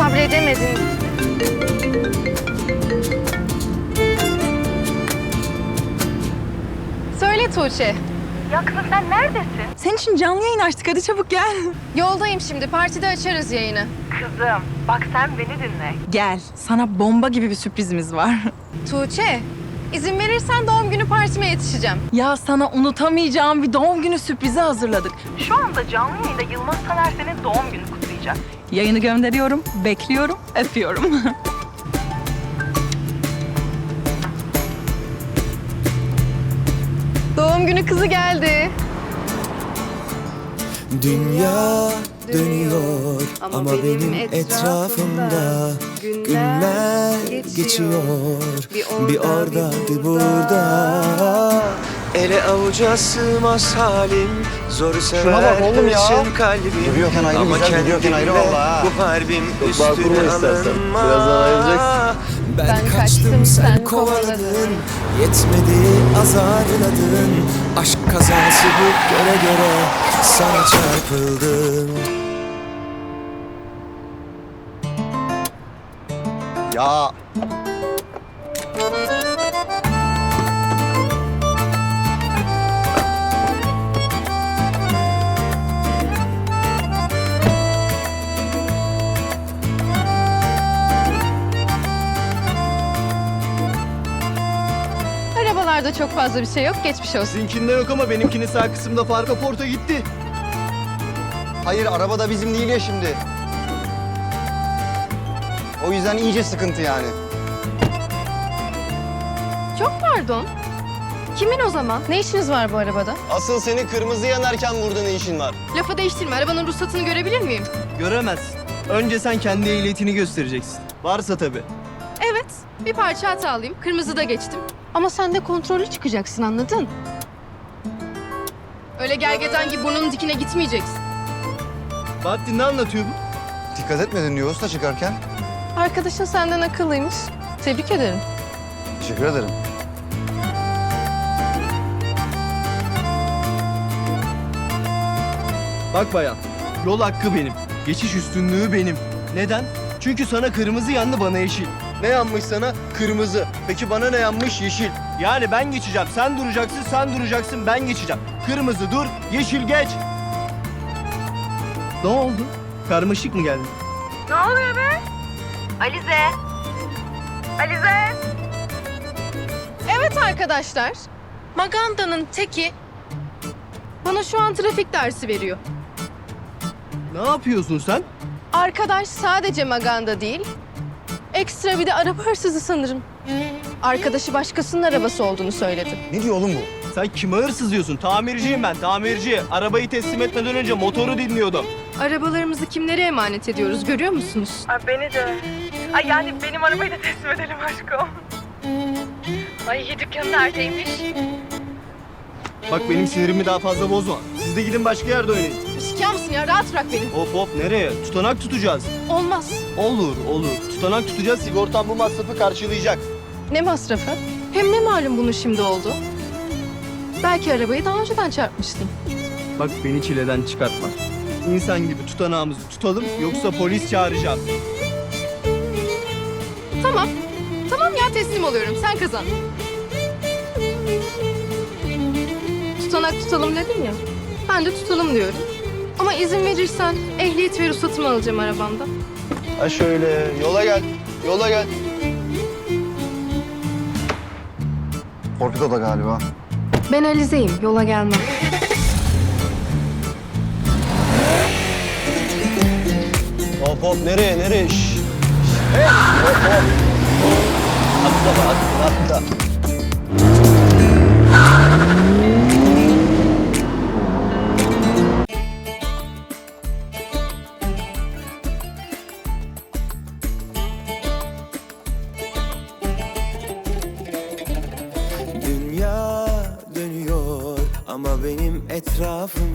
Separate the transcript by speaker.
Speaker 1: sabredemedin. Söyle Tuğçe.
Speaker 2: Ya kızım sen neredesin?
Speaker 3: Senin için canlı yayın açtık. Hadi çabuk gel.
Speaker 1: Yoldayım şimdi. Partide açarız yayını.
Speaker 2: Kızım bak sen beni dinle.
Speaker 3: Gel. Sana bomba gibi bir sürprizimiz var.
Speaker 1: Tuğçe, izin verirsen doğum günü partime yetişeceğim.
Speaker 3: Ya sana unutamayacağım bir doğum günü sürprizi hazırladık.
Speaker 2: Şu anda canlı yayında Yılmaz Taner senin doğum günü kutlayacak.
Speaker 3: Yayını gönderiyorum, bekliyorum, öpüyorum.
Speaker 1: Doğum günü kızı geldi.
Speaker 4: Dünya dönüyor ama benim etrafımda günler geçiyor. Bir orada bir burada. Ele avuca sığmaz halim, zor sever hırsın kalbim.
Speaker 5: Duruyorken ayrı
Speaker 4: ama
Speaker 5: güzel, duruyorken ayrı
Speaker 4: kendimle
Speaker 5: valla ha.
Speaker 4: bu harbim
Speaker 5: Çok bağ kurma
Speaker 4: üstüne
Speaker 5: istersen.
Speaker 4: alınma.
Speaker 5: Birazdan ayrılacaksın.
Speaker 4: Ben kaçtım sen kovaladın, yetmedi azarladın. Aşk kazası bu göre göre sana çarpıldım.
Speaker 5: Ya
Speaker 1: Arabalarda çok fazla bir şey yok. Geçmiş olsun.
Speaker 5: sizinkinde yok ama benimkinin sağ kısımda far kaporta gitti. Hayır araba da bizim değil ya şimdi. O yüzden iyice sıkıntı yani.
Speaker 1: Çok pardon. Kimin o zaman? Ne işiniz var bu arabada?
Speaker 5: Asıl seni kırmızı yanarken burada ne işin var?
Speaker 1: Lafı değiştirme. Arabanın ruhsatını görebilir miyim?
Speaker 6: Göremezsin. Önce sen kendi ehliyetini göstereceksin. Varsa tabii.
Speaker 1: Evet. Bir parça hatalıyım. Kırmızıda geçtim. Ama sen de kontrollü çıkacaksın, anladın? Öyle gergedan gibi burnunun dikine gitmeyeceksin.
Speaker 6: Bahattin ne anlatıyor bu?
Speaker 5: Dikkat etmedin diyor usta çıkarken.
Speaker 1: Arkadaşın senden akıllıymış. Tebrik ederim.
Speaker 5: Teşekkür ederim.
Speaker 6: Bak bayan, yol hakkı benim. Geçiş üstünlüğü benim. Neden? Çünkü sana kırmızı yandı, bana yeşil. Ne yanmış sana? Kırmızı. Peki bana ne yanmış? Yeşil. Yani ben geçeceğim, sen duracaksın, sen duracaksın, ben geçeceğim. Kırmızı dur, yeşil geç. Ne oldu? Karmaşık mı geldi?
Speaker 2: Ne oluyor be? Alize. Alize.
Speaker 1: Evet arkadaşlar. Maganda'nın teki bana şu an trafik dersi veriyor.
Speaker 6: Ne yapıyorsun sen?
Speaker 1: Arkadaş sadece Maganda değil, ekstra bir de araba hırsızı sanırım. Arkadaşı başkasının arabası olduğunu söyledi.
Speaker 5: Ne diyor oğlum bu?
Speaker 6: Sen kime hırsız diyorsun? Tamirciyim ben, tamirci. Arabayı teslim etmeden önce motoru dinliyordum.
Speaker 1: Arabalarımızı kimlere emanet ediyoruz görüyor musunuz?
Speaker 2: Ay beni de. Ay yani benim arabayı da teslim edelim aşkım. Ay dükkanın neredeymiş?
Speaker 6: Bak benim sinirimi daha fazla bozma. Siz de gidin başka yerde oynayın.
Speaker 1: Şikâr mısın ya? Rahat bırak beni.
Speaker 6: Hop hop nereye? Tutanak tutacağız.
Speaker 1: Olmaz.
Speaker 6: Olur olur. Tutanak tutacağız. Sigortan bu masrafı karşılayacak.
Speaker 1: Ne masrafı? Hem ne malum bunun şimdi oldu? Belki arabayı daha önceden çarpmıştın.
Speaker 6: Bak beni çileden çıkartma. İnsan gibi tutanağımızı tutalım yoksa polis çağıracağım.
Speaker 1: Tamam. Tamam ya teslim oluyorum. Sen kazan. Tutanak tutalım dedim ya. Ben de tutalım diyorum. Ama izin verirsen ehliyet ve ruhsatımı alacağım arabamda.
Speaker 5: Ha şöyle yola gel. Yola gel. Torpido da galiba.
Speaker 1: Ben Alize'yim. Yola gelmem.
Speaker 5: Hop hop nereye nereye? Şşş. Hey hop hop. Atla be, atla atla.
Speaker 4: Dünya dönüyor ama benim etrafım